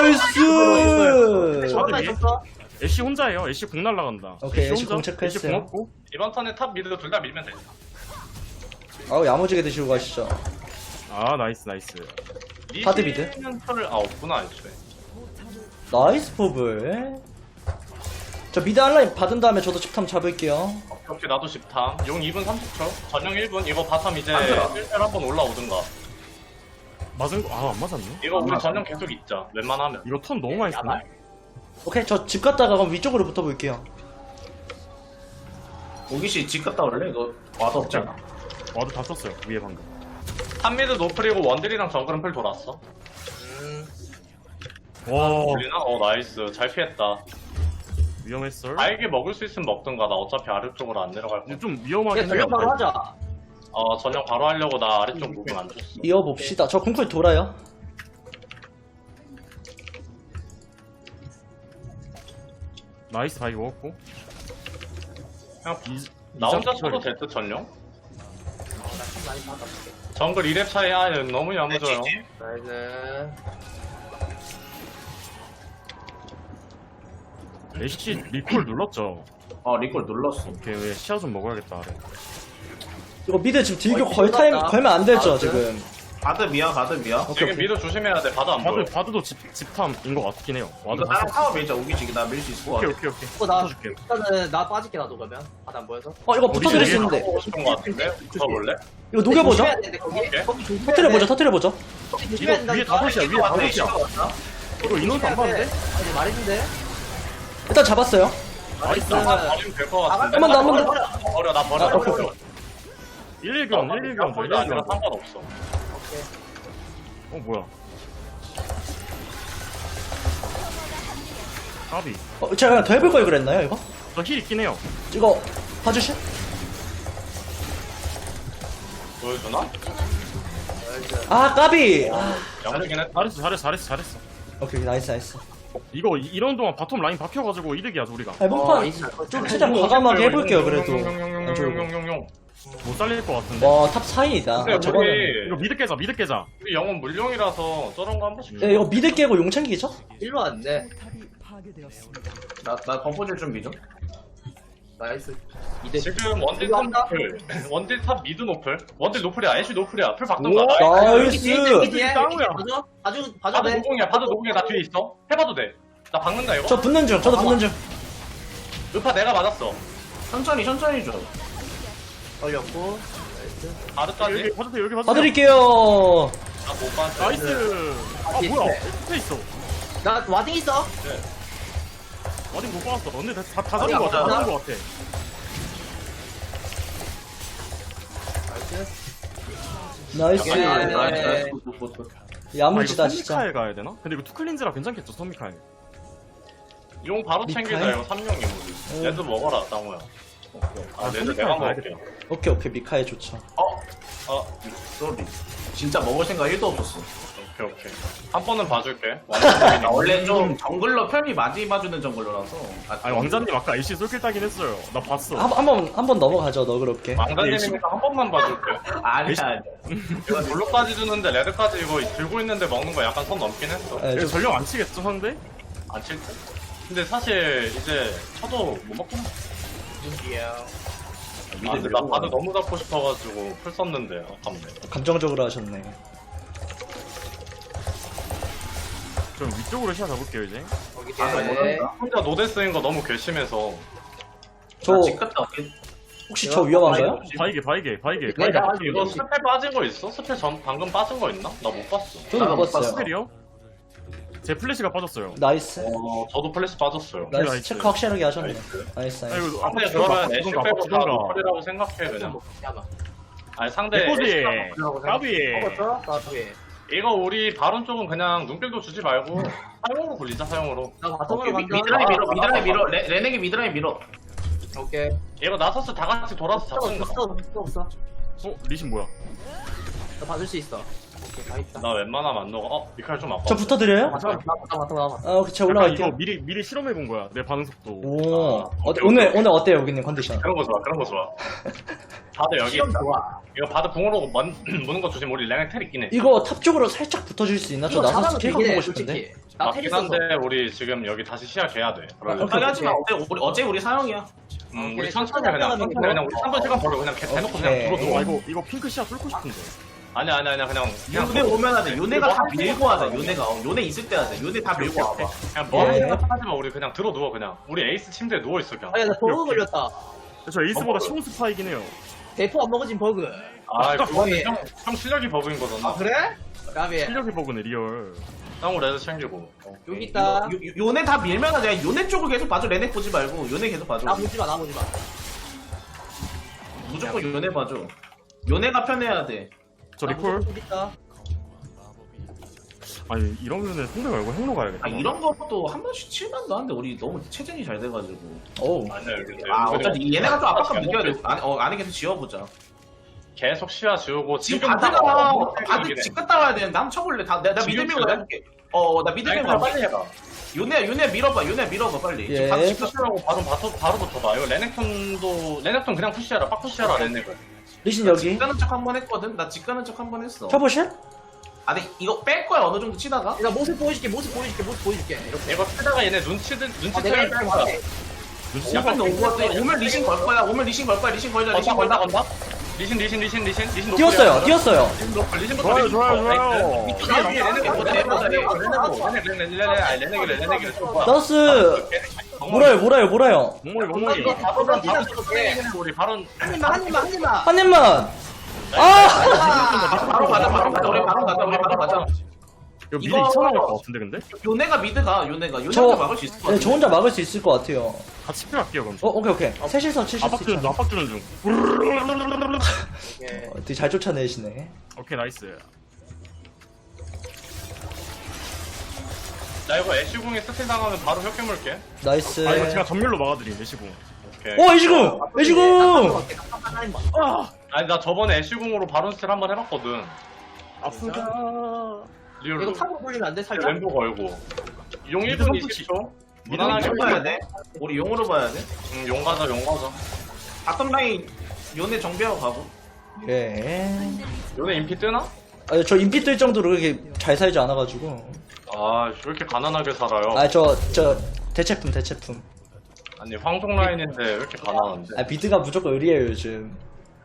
Speaker 6: 나이스.
Speaker 7: 저거나 있었어.
Speaker 3: 애쉬 혼자예요. 애쉬 공 날라간다.
Speaker 6: 오케이, 애쉬
Speaker 3: 혼자.
Speaker 6: 공 체크했어요.
Speaker 3: 애쉬 공 없고. 이번 턴에 탑 미드 둘 다 밀면 돼.
Speaker 6: 아우 야무지게 드시고 가시죠.
Speaker 3: 아 나이스 나이스.
Speaker 6: 하드 미드.
Speaker 3: 리신은 털을 아 없구나 애초에.
Speaker 6: 나이스 포블. 저 미드 한라인 받은 다음에 저도 집탐 잡을게요.
Speaker 3: 오케이 나도 십탐. 용 이 분 삼십 초. 전용 일 분. 이거 바텀 이제
Speaker 4: 안 들어.
Speaker 3: 일 대 한번 올라오든가. 맞은 거? 아 안 맞았네. 이거 우리 전용 계속 있자. 웬만하면. 이거 턴 너무 많이 쓰네.
Speaker 6: 오케이 저 집 갔다가 그럼 위쪽으로 붙어볼게요.
Speaker 4: 오기씨 집 갔다 올래? 이거 와도 없잖아.
Speaker 3: 와도 다 썼어요 위에 방금. 탑미드 노플이고 원딜이랑 정글은 풀 돌았어.
Speaker 7: 음.
Speaker 3: 와. 돌리나? 어 나이스. 잘 피했다. 위험했어. 알게 먹을 수 있으면 먹든가. 나 어차피 아래쪽으로 안 내려갈 거야. 좀 위험하긴
Speaker 7: 그냥 전력 바로 하자.
Speaker 3: 어 전용 바로 하려고 나 아래쪽 무빙 안 줬어.
Speaker 6: 이어봅시다. 저 궁쿨 돌아요.
Speaker 3: 나이스 다 이거였고. 그냥 비... 나 혼자 쳐도 될 듯 전용?
Speaker 7: 나참 많이 받아볼게.
Speaker 3: 정글 이 렙 차이 아 너무 야무져요.
Speaker 7: 나이스.
Speaker 3: 애쉬 리콜 눌렀죠?
Speaker 4: 어 리콜 눌렀어.
Speaker 3: 오케이 왜 시야 좀 먹어야겠다 아래.
Speaker 6: 이거 미드 지금 딜교 걸 타임 걸면 안 되죠
Speaker 7: 아,
Speaker 6: 지금.
Speaker 4: 바드 미야 바드 미야.
Speaker 3: 지금 미드 조심해야 돼. 바드 안 보여.
Speaker 5: 바드 바드도 집 집탐인 것 같긴 해요. 와드
Speaker 4: 이거 나랑 타워 밀자. 오기 지금 나 밀 수 있을 것
Speaker 5: 오케이
Speaker 4: 같아.
Speaker 5: 오케이 오케이.
Speaker 7: 어, 나
Speaker 5: 붙어줄게.
Speaker 7: 일단은 나 빠질게 나도 그러면 바다 안 보여서.
Speaker 6: 어 이거 붙어드릴 수 있는데.
Speaker 3: 보고 싶은 거 같은데? 붙어볼래?
Speaker 6: 이거 녹여보죠.
Speaker 7: 조심해야 되는데 거기
Speaker 3: 오케이.
Speaker 7: 거기 조심해야
Speaker 6: 터트려보죠
Speaker 7: 돼.
Speaker 6: 터트려보죠.
Speaker 7: 거기
Speaker 5: 이거
Speaker 7: 조심해야
Speaker 5: 위에
Speaker 7: 된다니까.
Speaker 5: 다섯이야 위에
Speaker 4: 왔네.
Speaker 5: 다섯이야.
Speaker 4: 왔다.
Speaker 5: 이거 인원수 안 봤는데?
Speaker 7: 아니 말했는데.
Speaker 6: 일단 잡았어요.
Speaker 5: 나이스.
Speaker 3: 나 버리면 될 것 같은데.
Speaker 6: 한 번 더, 한번 더.
Speaker 3: 나 버려 나 버려. 나 버려.
Speaker 5: 일일 교환 일일 교환
Speaker 3: 도 아니라
Speaker 5: 일일 교환.
Speaker 3: 상관없어.
Speaker 5: 어 뭐야? 까비.
Speaker 6: 어, 제가 그냥 더 해볼 걸 그랬나요 이거?
Speaker 5: 저 힐 있긴 해요.
Speaker 6: 이거 봐주실?
Speaker 3: 보여주나?
Speaker 6: 아 까비. 아,
Speaker 3: 양쪽이네.
Speaker 5: 잘했어 잘했어 잘했어 잘했어.
Speaker 6: 오케이 나이스 나이스.
Speaker 5: 이거 이- 이런 동안 바텀 라인 박혀가지고 이득이야 우리가.
Speaker 6: 아니 몸판 좀 최대한 과감하게 해볼게요 그래도.
Speaker 3: 용용용용용용용용.
Speaker 5: 못 살릴 것 같은데.
Speaker 6: 와탑 사인이다.
Speaker 3: 근데
Speaker 6: 저거는.
Speaker 3: 우리
Speaker 5: 이거 미드 깨자 미드 깨자.
Speaker 3: 우리 영혼 물용이라서 저런 거 한 번씩.
Speaker 6: 네, 이거 미드 깨고 용 챙기죠?
Speaker 7: 일로 왔네.
Speaker 4: 나나 덤퍼질 준비 좀.
Speaker 7: 나이스. 이대
Speaker 3: 지금 원딜
Speaker 7: 이거
Speaker 3: 탑
Speaker 7: 한다?
Speaker 3: 노플, 원딜 탑 미드 노플, 원딜 노플이야, 애쉬 노플이야, 풀 박던가.
Speaker 5: 오,
Speaker 3: 나
Speaker 6: 나이스.
Speaker 7: 뒤에
Speaker 5: 짱이야.
Speaker 7: 봐줘 봐줘 봐줘
Speaker 3: 바드
Speaker 7: 돼.
Speaker 3: 노공이야, 바드 노공이야, 나 뒤에 있어. 해봐도 돼. 나 박는다 이거.
Speaker 6: 저 붙는 중 저도 붙는 중.
Speaker 3: 루파 내가 맞았어.
Speaker 4: 천천히 천천히 줘.
Speaker 7: 걸렸고.
Speaker 3: 바드까지.
Speaker 5: 여기 봐주세요 여기 봐주세요.
Speaker 6: 봐드릴게요.
Speaker 3: 나못 봤어.
Speaker 5: 나이스. 아
Speaker 7: 뒤에
Speaker 5: 뭐야?
Speaker 7: 있네.
Speaker 5: 스페 있어.
Speaker 7: 나 와딩 있어.
Speaker 5: 어딘 못 봤어. 근데 다, 다
Speaker 4: 어디
Speaker 5: 잡은 거 같아. 다
Speaker 4: 가자.
Speaker 5: 잡은 거 같아.
Speaker 6: 나이스.
Speaker 7: 예.
Speaker 4: 나이스 나이스. 굿, 굿, 굿.
Speaker 6: 야무지다
Speaker 5: 아, 이거
Speaker 6: 진짜.
Speaker 5: 선미카엘 가야 되나? 근데 이거 투클린즈라 괜찮겠죠 선미카엘.
Speaker 3: 용 바로 챙기자
Speaker 6: 미카엘?
Speaker 3: 이거 삼룡이 우리.
Speaker 6: 어.
Speaker 3: 얘도 먹어라 땅우야. 아,
Speaker 5: 아,
Speaker 3: 얘도
Speaker 5: 선미카엘
Speaker 3: 내가
Speaker 5: 가야겠다.
Speaker 3: 먹을게.
Speaker 6: 오케이 오케이 미카엘 좋죠.
Speaker 4: 어?
Speaker 3: 어,
Speaker 4: 쏘리. 진짜 먹을 생각 일도 없었어.
Speaker 3: 오케이 오케이. 한 번은 봐줄게.
Speaker 4: 나 원래 좀 정글러 편이 많이 봐주는 정글러라서. 아,
Speaker 5: 아니 왕자님 아까 애쉬 솔킬 따긴 했어요. 나 봤어.
Speaker 6: 한번 한 번 넘어가죠 너그럽게.
Speaker 3: 왕자님이니까 한 번만 봐줄게.
Speaker 4: 아니야 아니야.
Speaker 3: 이거 블루까지 주는데 레드까지 이거 들고 있는데 먹는 거 약간 선 넘긴 했어.
Speaker 6: 네,
Speaker 5: 이거
Speaker 6: 좀
Speaker 5: 전령 안 치겠죠 상대?
Speaker 3: 안 칠 때? 근데 사실 이제 쳐도 못 먹긴 해. 아, 근데 나 바드 너무 잡고 싶어가지고 풀 썼는데 아깝네.
Speaker 6: 감정적으로 하셨네.
Speaker 5: 좀 위쪽으로 시야 잡을게요 이제.
Speaker 7: 거기
Speaker 4: 아,
Speaker 7: 뒤에.
Speaker 3: 혼자 노데스인 거 너무 괘씸해서.
Speaker 6: 저
Speaker 4: 집 갔다 올게.
Speaker 6: 혹시 저 위험한가요?
Speaker 5: 바이게 바이게 바이게
Speaker 7: 네,
Speaker 5: 바이게.
Speaker 7: 나
Speaker 3: 이거 스펠 빠진 거 있어? 스펠 전 방금 빠진 거 있나? 나 못 봤어.
Speaker 6: 저도
Speaker 4: 나도
Speaker 6: 먹었어요.
Speaker 5: 스펠이요? 제 플래시가 빠졌어요.
Speaker 6: 나이스.
Speaker 3: 어, 저도 플래시 빠졌어요.
Speaker 6: 나이스.
Speaker 5: 나이스.
Speaker 6: 체크 확실하게 하셨네.
Speaker 3: 나이스.
Speaker 6: 나이스
Speaker 5: 아
Speaker 6: 나이스.
Speaker 5: 이거
Speaker 3: 상대
Speaker 5: 아빠
Speaker 3: 그러면 애쉬
Speaker 5: 주던가 아빠
Speaker 3: 빼고 다
Speaker 5: 주던가.
Speaker 3: 노플이라고 생각해 그냥.
Speaker 7: 야마.
Speaker 3: 아니 상대
Speaker 5: 내꼬지.
Speaker 3: 애쉬가 노플이라고 생각-
Speaker 5: 까비.
Speaker 7: 먹었어? 나 뒤에.
Speaker 3: 이거 우리 바론 쪽은 그냥 눈길도 주지 말고 사용으로 굴리자 사용으로.
Speaker 7: 나
Speaker 4: 오케이,
Speaker 7: 바텀으로
Speaker 4: 미-
Speaker 7: 간다.
Speaker 4: 미드라인 밀어
Speaker 3: 아,
Speaker 4: 미드라인
Speaker 3: 아,
Speaker 4: 밀어 레- 레넥이 미드라인 밀어.
Speaker 7: 오케이.
Speaker 3: 이거 나서스 다 같이 돌아서 잡든가.
Speaker 7: 없어 없어 없어.
Speaker 5: 어 리신 뭐야?
Speaker 7: 나 받을 수 있어. 오케이 다 있다.
Speaker 3: 나 웬만하면 안 녹아. 어 미칼 좀 아파.
Speaker 6: 저 붙어드려요?
Speaker 7: 바텀 나 바텀 바텀 나 바텀.
Speaker 6: 아 오케이 제가
Speaker 5: 약간
Speaker 6: 올라갈게요.
Speaker 5: 이거 미리 미리 실험해 본 거야. 내 반응 속도.
Speaker 6: 오.
Speaker 3: 아,
Speaker 6: 어,
Speaker 3: 오케이,
Speaker 6: 오늘
Speaker 3: 오케이.
Speaker 6: 오늘 어때요 여기님 컨디션?
Speaker 3: 그런 거 좋아 그런 거 좋아. 바드 여기
Speaker 7: 시험 좋아.
Speaker 3: 이거 바드 궁으로 먼, 무는 거 조심. 우리 레넥 텔 있긴 해.
Speaker 6: 이거 탑 쪽으로 살짝 붙어줄 수 있나? 저
Speaker 7: 이거
Speaker 6: 나서스
Speaker 7: 잘하면
Speaker 6: 캐릭터
Speaker 7: 되긴 해
Speaker 6: 보고 싶은데.
Speaker 7: 솔직히. 나
Speaker 3: 맞긴
Speaker 7: 테리스
Speaker 3: 한데 우리 지금 여기 다시 시야 개야 돼. 그러려면.
Speaker 6: 오케이,
Speaker 4: 빨리 하지 마. 어제 우리 어제 우리 사형이야.
Speaker 3: 음,
Speaker 7: 오케이,
Speaker 3: 우리 천천히
Speaker 7: 천천히
Speaker 3: 그냥
Speaker 7: 하면
Speaker 3: 천천히
Speaker 7: 이거.
Speaker 3: 그냥 우리 삼 분 시간 벌어 그냥 개 대놓고 그냥
Speaker 6: 오케이.
Speaker 3: 들어
Speaker 5: 와
Speaker 3: 누워.
Speaker 5: 이거 이거 핑크 시야 뚫고 싶은데.
Speaker 3: 아니야 아니야 아니야 그냥 그냥
Speaker 4: 요네 오면 하자. 요네가 다 밀고 하자. 요네가 어, 요네 있을 때 하자. 요네 다 밀고 와봐.
Speaker 3: 그냥 뭐
Speaker 6: 예.
Speaker 3: 생각 하지 마. 우리 그냥 들어 누워 그냥. 우리 에이스 침대에 누워 있어 그냥.
Speaker 7: 아야 나 버그 걸렸다.
Speaker 5: 저 에이스보다
Speaker 3: 어,
Speaker 5: 시몬 스파이긴 해요.
Speaker 7: 대포 안 먹어진 버그.
Speaker 3: 아 그거는
Speaker 7: 거의.
Speaker 3: 형, 형 실력이 버그인 거잖아.
Speaker 7: 아 그래? 까비.
Speaker 5: 실력이 버그네 리얼.
Speaker 3: 형 레드 챙기고. 어.
Speaker 7: 여기 있다.
Speaker 4: 요, 요, 요네 다 밀면 하자. 요네 쪽을 계속 봐줘. 레넥 보지 말고 요네 계속 봐줘.
Speaker 7: 나 보지 마, 나 보지 마.
Speaker 4: 무조건 요네 봐줘. 요네가 편해야 돼.
Speaker 5: 저
Speaker 7: 나
Speaker 5: 리콜.
Speaker 7: 무조건 있다.
Speaker 5: 아니 이러면은 상대 말고 행로 가야겠다.
Speaker 4: 아 이런 것도 한 번씩 칠만도 한데 우리 너무 체전이 잘 돼가지고.
Speaker 6: 오.
Speaker 3: 아니야 근데
Speaker 4: 아
Speaker 3: 은근히
Speaker 4: 어차피 얘네가 좀 압박감
Speaker 3: 잘못
Speaker 4: 느껴야 돼.
Speaker 3: 됐어.
Speaker 4: 안에 어 안에 계속 지워보자.
Speaker 3: 계속 시야 지우고
Speaker 4: 지금
Speaker 3: 지금
Speaker 4: 바드가
Speaker 3: 못
Speaker 4: 바드
Speaker 3: 때리긴 해.
Speaker 4: 집 갔다 와야 되는데 한번 쳐볼래? 다, 내가, 나
Speaker 3: 지금
Speaker 4: 미드 밀고
Speaker 3: 쳐야
Speaker 4: 해볼게. 어나 미드
Speaker 3: 아니,
Speaker 4: 밀고
Speaker 3: 그냥
Speaker 4: 해볼게.
Speaker 3: 빨리 해봐.
Speaker 4: 요네 요네 밀어봐. 요네 밀어봐 빨리.
Speaker 6: 예.
Speaker 4: 지금 바드 집 갔다
Speaker 3: 푸시하고 바로 바로 바로 붙어봐. 이거 레넥톤도 레넥톤 그냥 푸시하라. 빡 푸시하라 레넥을.
Speaker 6: 리신 여기.
Speaker 4: 집 가는 척 한 번 했거든. 나 집 가는 척 한 번 했어.
Speaker 6: 켜보실?
Speaker 4: 아 근데 이거 뺄 거야 어느 정도 치다가.
Speaker 7: 나 모습 보여줄게, 모습 보여줄게, 모습 보여줄게. 이렇게.
Speaker 3: 이거 쓰다가 얘네 눈치들
Speaker 7: 아, 내가
Speaker 3: 눈치채를 뺄 거야.
Speaker 7: 이렇게
Speaker 5: 눈치
Speaker 4: 약간 오고 같아. 오면 리신 걸 거야. 오면 리신 걸 거야. 리신 걸자.
Speaker 3: 건다
Speaker 4: 리신
Speaker 3: 건다
Speaker 4: 걸자.
Speaker 3: 건다. 리신 리신 리신 리신 리신 노플이야.
Speaker 6: 뛰었어요 뛰었어요.
Speaker 3: 리신 노플 리신부터
Speaker 5: 좋아요,
Speaker 3: 리신
Speaker 5: 좋아요,
Speaker 3: 노플.
Speaker 5: 좋아요.
Speaker 3: 나이스. 레네 레네 레네 레네 레네 레네 레네 레네
Speaker 6: 나스 몰아요 몰아요 몰아요.
Speaker 5: 몽mol이 몽mol이.
Speaker 3: 바로 바로 우리 바로
Speaker 7: 한 입만 한 입만 한 입만.
Speaker 6: 한 입만. 아
Speaker 4: 바로 가자 바로 가자 우리 바로 가자 우리 바로 가자.
Speaker 5: 이거 미드
Speaker 4: 이거-
Speaker 5: 이천 나올 것 같은데 근데?
Speaker 4: 요네가 미드가 요네가 요네가
Speaker 6: 저,
Speaker 4: 막을 수 있을 것
Speaker 6: 네,
Speaker 4: 같아.
Speaker 6: 저 혼자 막을 수 있을 것 같아요.
Speaker 5: 같이 필요할게요 그럼.
Speaker 6: 어 오케이 오케이. 셋이서 칠수
Speaker 5: 압박 주는 중
Speaker 6: 있죠.
Speaker 5: 압박 주는 중.
Speaker 7: 예.
Speaker 6: 어, 되게 잘 쫓아내시네.
Speaker 5: 오케이 나이스.
Speaker 3: 나 이거 애쉬궁에 스틸 당하면 바로 혁깨물게
Speaker 6: 나이스.
Speaker 5: 아 이거 제가 전멸로 막아드림 내시고.
Speaker 3: 오케이.
Speaker 6: 오 애지궁 애지궁.
Speaker 7: 한 입만.
Speaker 3: 아니 나 저번에 애쉬궁으로 바론 스틸 한번 해봤거든.
Speaker 5: 아프다.
Speaker 7: 이거
Speaker 3: 리얼로.
Speaker 7: 탑으로 돌리면 안 돼? 살짝?
Speaker 3: 왼보 걸고. 용 일
Speaker 5: 미드
Speaker 3: 분
Speaker 5: 선수
Speaker 3: 이십 초.
Speaker 4: 우리
Speaker 3: 무난하게
Speaker 4: 용 봐야 돼. 우리 용으로 봐야 돼.
Speaker 3: 응, 용 가자 용 가자.
Speaker 4: 바텀 라인 요네 정비하고 가고.
Speaker 6: 예.
Speaker 3: 요네 인피 뜨나?
Speaker 6: 아, 저 인피 뜰 정도로 그렇게 잘 살지 않아가지고.
Speaker 3: 아, 왜 이렇게 가난하게 살아요?
Speaker 6: 아, 저, 저, 대체품, 대체품.
Speaker 3: 아니, 황송 라인인데 왜 이렇게 가난한데?
Speaker 6: 아, 미드가 무조건 의리에요, 요즘.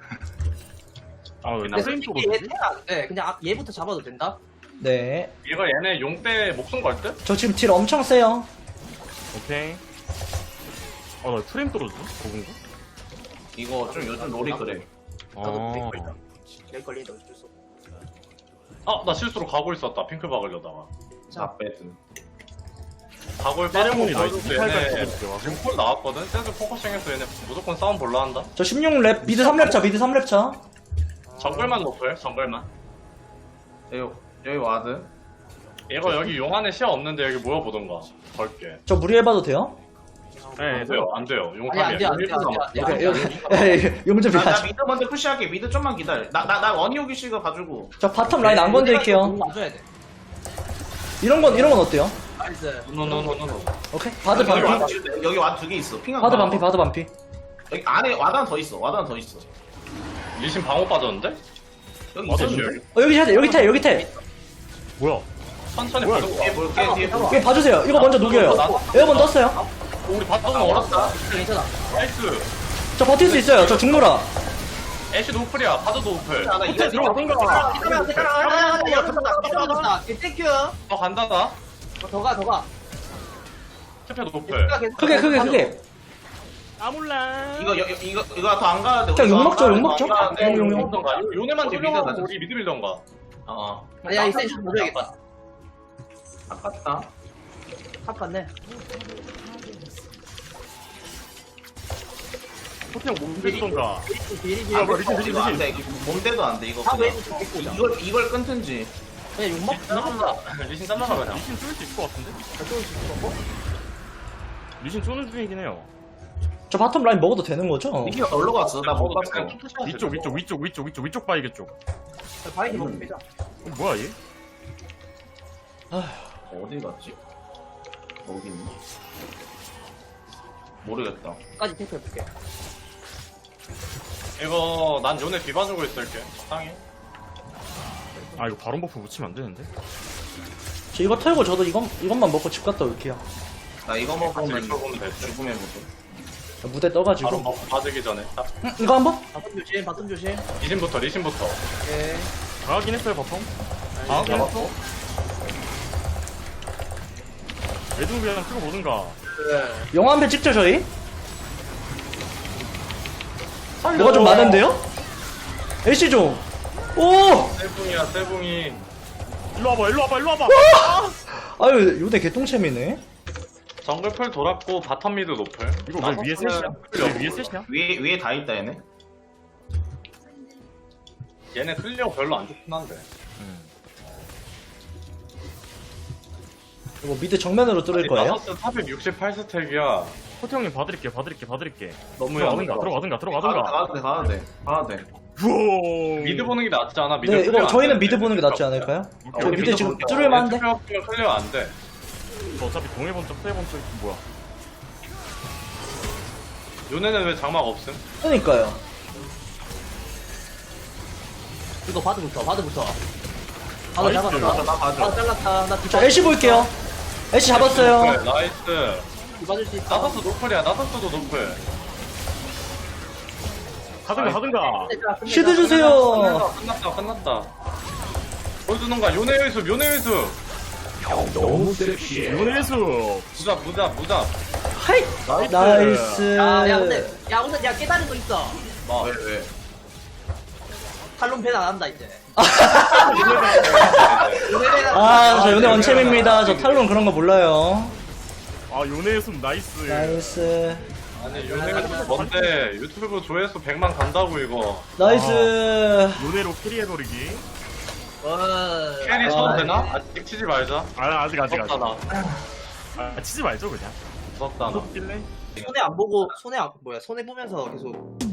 Speaker 5: 아왜
Speaker 7: 근데
Speaker 5: 프레임
Speaker 7: 솔직히
Speaker 5: 쪽으로
Speaker 7: 얘
Speaker 5: 되지?
Speaker 7: 태가 안 돼. 그냥 아- 얘부터 잡아도 된다?
Speaker 6: 네.
Speaker 3: 이거 얘네 용 때 목숨 걸 듯?
Speaker 6: 저 지금 딜 엄청 세요.
Speaker 5: 오케이. 아나 프레임 떨어져? 저건가?
Speaker 4: 이거 좀 요즘 롤이 그래.
Speaker 5: 아.
Speaker 7: 내 걸린다 어쩔 수 없어.
Speaker 3: 아, 나 실수로 가고 있었다. 핑크 박으려다가.
Speaker 4: 나 배드.
Speaker 3: 가골
Speaker 5: 세레모니
Speaker 3: 빠지고
Speaker 5: 나이스.
Speaker 3: 얘네
Speaker 5: 팔팔
Speaker 3: 지금 콜 나왔거든? 센스 포커싱해서 얘네 무조건 싸움 볼라 한다?
Speaker 6: 저 십육 렙, 미드 삼 렙 차, 미드 삼 렙 차.
Speaker 3: 정글만 높을, 정글만.
Speaker 4: 여기 여기 와드.
Speaker 3: 이거 여기 용 안에 시야 없는데 여기 모여보던가. 걸게.
Speaker 6: 저 무리해봐도 돼요?
Speaker 5: 네.
Speaker 3: 안 돼요, 안 돼요. 용
Speaker 7: 아니, 안 돼, 안 돼,
Speaker 3: 일 분
Speaker 7: 안 돼,
Speaker 3: 남았어.
Speaker 7: 안 돼.
Speaker 6: 오케이, 여기, 용좀
Speaker 4: 나, 나
Speaker 6: 비하죠.
Speaker 4: 미드 먼저 푸시할게. 미드 좀만 기다려. 나 나 나 원희오기 씨가 봐주고.
Speaker 6: 저 바텀 라인 안 건드릴게요.
Speaker 7: 맞아야 돼.
Speaker 6: 이런 건, 이런 건 어때요?
Speaker 7: 나이스.
Speaker 3: 노노노노노.
Speaker 6: 오케이. 바드
Speaker 4: 여기
Speaker 6: 반피.
Speaker 4: 와드 여기 와드 두 개 있어. 핑하.
Speaker 6: 바드 반피, 바드 반피.
Speaker 4: 여기 안에 와드 하나 더 있어. 와드 하나 더 있어.
Speaker 3: 리신 방어 빠졌는데?
Speaker 4: 여기
Speaker 3: 맞아,
Speaker 4: 있었는데.
Speaker 6: 어, 여기 태, 여기 태, 여기 태.
Speaker 5: 뭐야?
Speaker 3: 천천히
Speaker 5: 뭐야,
Speaker 3: 보는
Speaker 4: 뒤에
Speaker 3: 거야.
Speaker 4: 볼게. 뒤에 볼게.
Speaker 6: 이거 봐주세요. 이거 먼저 녹여요. 에어본 떴어요.
Speaker 3: 우리 바텀은 얼었다.
Speaker 7: 괜찮아.
Speaker 3: 나이스.
Speaker 6: 저 버틸 수 있어요. 저 죽노라.
Speaker 3: 애쉬 노플이야. 바드도 노플.
Speaker 4: 하나 이거
Speaker 5: 들어가던가.
Speaker 7: 기다려, 기다려. 기다려, 기다려. 땡큐.
Speaker 3: 어, 간다, 나.
Speaker 7: 더 가, 더 가.
Speaker 3: 스페 노플.
Speaker 6: 크게, 크게, 크게.
Speaker 5: 아몰라.
Speaker 4: 이거 여- 이거 이거 더 안 가야 돼.
Speaker 6: 그냥 욕 먹죠, 욕 먹죠.
Speaker 4: 안 가야 돼.
Speaker 6: 용, 용, 용.
Speaker 3: 던가 요네만
Speaker 4: 우리
Speaker 3: 뚫려가고
Speaker 4: 미드 가자.
Speaker 3: 우리 미드 밀던가.
Speaker 4: 어.
Speaker 7: 아니야, 이 센스 보여야겠다.
Speaker 4: 아깝다.
Speaker 7: 탑 갔네.
Speaker 5: 호텔 못 해주던가.
Speaker 7: 비리 비리.
Speaker 4: 아,
Speaker 5: 이거 리신, 리신,
Speaker 4: 이거 안
Speaker 5: 리신.
Speaker 4: 돼. 이거 몸대도 안 돼. 이거
Speaker 7: 탑
Speaker 4: 그냥.
Speaker 7: 웨이브 좀 뺏고 오자.
Speaker 4: 이걸 이걸 끊든지.
Speaker 7: 그냥 욕 먹, 욕 먹자.
Speaker 3: 리신 잘라가 그냥.
Speaker 5: 리신 쏠 수 있을 것 같은데? 리신 쏘는 중이긴 해요.
Speaker 6: 저 바텀 라인 먹어도 되는 거죠?
Speaker 4: 니키가 놀러 갔어. 나 못 봤어.
Speaker 3: 그냥 투샷
Speaker 5: 위쪽, 위쪽, 위쪽, 위쪽, 위쪽, 위쪽 바이게 쪽.
Speaker 7: 바이디 먹으면 빼자.
Speaker 5: 어, 뭐야 얘?
Speaker 4: 어디 갔지? 어디 있니? 모르겠다.
Speaker 7: 까지 테스트 해볼게.
Speaker 3: 이거 난 요네 비봐주고 있을게. 적당히.
Speaker 5: 아 이거 바론 버프 붙이면 안 되는데?
Speaker 6: 저 이거 털고 저도 이건, 이것만 먹고 집 갔다 올게요.
Speaker 4: 나 이거
Speaker 3: 같이
Speaker 4: 먹으면
Speaker 3: 리퍼보면 됐지.
Speaker 4: 죽음의 무도.
Speaker 6: 무대
Speaker 3: 바로
Speaker 6: 떠가지고.
Speaker 3: 버 받기 전에. 딱.
Speaker 6: 응, 이거 한 번?
Speaker 7: 바텀 조심, 바텀 조심.
Speaker 3: 리신부터 리신부터.
Speaker 7: 오케이.
Speaker 5: 가긴 했어요 바텀.
Speaker 3: 아,
Speaker 7: 네.
Speaker 3: 잡았어?
Speaker 5: 애들 그냥 쓰고 보든가.
Speaker 7: 그래.
Speaker 6: 영화 한 편 찍죠, 저희? 뭐가 좀 많은데요? 애쉬 좀. 오!
Speaker 3: 세붕이야 세붕이.
Speaker 5: 일로 와봐, 일로 와봐, 일로 와봐.
Speaker 6: 아유, 요대 개똥챔이네.
Speaker 3: 정글 풀 돌았고 바텀 미드 노플.
Speaker 5: 이거 왜 위에 셋이야? 왜 위에 셋이야?
Speaker 4: 위에 위에 다 있다 얘네.
Speaker 3: 얘네 클리어 별로 안 좋긴 한데.
Speaker 6: 이거 미드 정면으로 뚫을 거예요?
Speaker 3: 나서스 사백육십팔 스택이야.
Speaker 5: 호태 형님 봐드릴게, 봐드릴게, 봐드릴게.
Speaker 3: 너무
Speaker 5: 들어가든가,
Speaker 3: 얇아.
Speaker 5: 들어가든가,
Speaker 4: 가도
Speaker 5: 들어가든가.
Speaker 4: 가도 돼 가도 돼 가도 돼.
Speaker 5: 우와.
Speaker 3: 미드 보는 게 낫지 않아? 미드
Speaker 6: 네,
Speaker 3: 클리어
Speaker 6: 이거
Speaker 3: 안
Speaker 6: 저희는
Speaker 3: 되는데.
Speaker 6: 미드 보는 게 낫지 않을까요?
Speaker 5: 오케이,
Speaker 6: 저
Speaker 5: 오케이,
Speaker 6: 미드
Speaker 5: 미드
Speaker 6: 지금
Speaker 5: 볼게요.
Speaker 6: 뚫을만한데?
Speaker 3: 클리어 클리어 안 돼.
Speaker 5: 저 어차피 동해본 쪽, 세번 쪽 뭐야?
Speaker 3: 요네는 왜 장막 없음?
Speaker 6: 그러니까요.
Speaker 7: 이거 바드부터, 바드부터. 바드
Speaker 5: 나이스.
Speaker 7: 잡았다.
Speaker 4: 나 봐줘.
Speaker 7: 아, 잘랐다. 나
Speaker 6: 저 애쉬 볼게요. 애쉬 잡았어요.
Speaker 3: 노플, 나이스.
Speaker 7: 맞을 수 있다.
Speaker 3: 나서스 노플이야. 나서스도 노플.
Speaker 5: 하든가 하든가.
Speaker 6: 쉴드 주세요.
Speaker 3: 끝났다 끝났다. 보여주는 거야. 요네의 숲 요네의 숲.
Speaker 5: 너무 섹시해. 요네수.
Speaker 3: 무자 무자 무자.
Speaker 6: 하이. 나이스.
Speaker 7: 야, 야, 근데, 야, 우선, 야, 깨달은 거 있어.
Speaker 3: 뭐.
Speaker 4: 왜 왜?
Speaker 7: 탈론 밴 안 한다, 이제.
Speaker 6: 아, 저 요네 원챔입니다. 저 탈론 그런 거 몰라요.
Speaker 5: 아 요네수 나이스.
Speaker 6: 나이스.
Speaker 3: 아니 요네의 숲 뭔데 유튜브 조회수 백만 간다고 이거.
Speaker 6: 나이스.
Speaker 5: 요네로 캐리해버리기.
Speaker 7: 어.
Speaker 3: 캐리 쳐도 되나? 아직 치지 말자.
Speaker 5: 아 아직 아직 아직.
Speaker 3: 무섭다 나.
Speaker 5: 아 치지 말죠 그냥.
Speaker 3: 무섭다 나.
Speaker 5: 무섭길래.
Speaker 7: 손해 안 보고, 손해 안, 뭐야, 손해 보면서 계속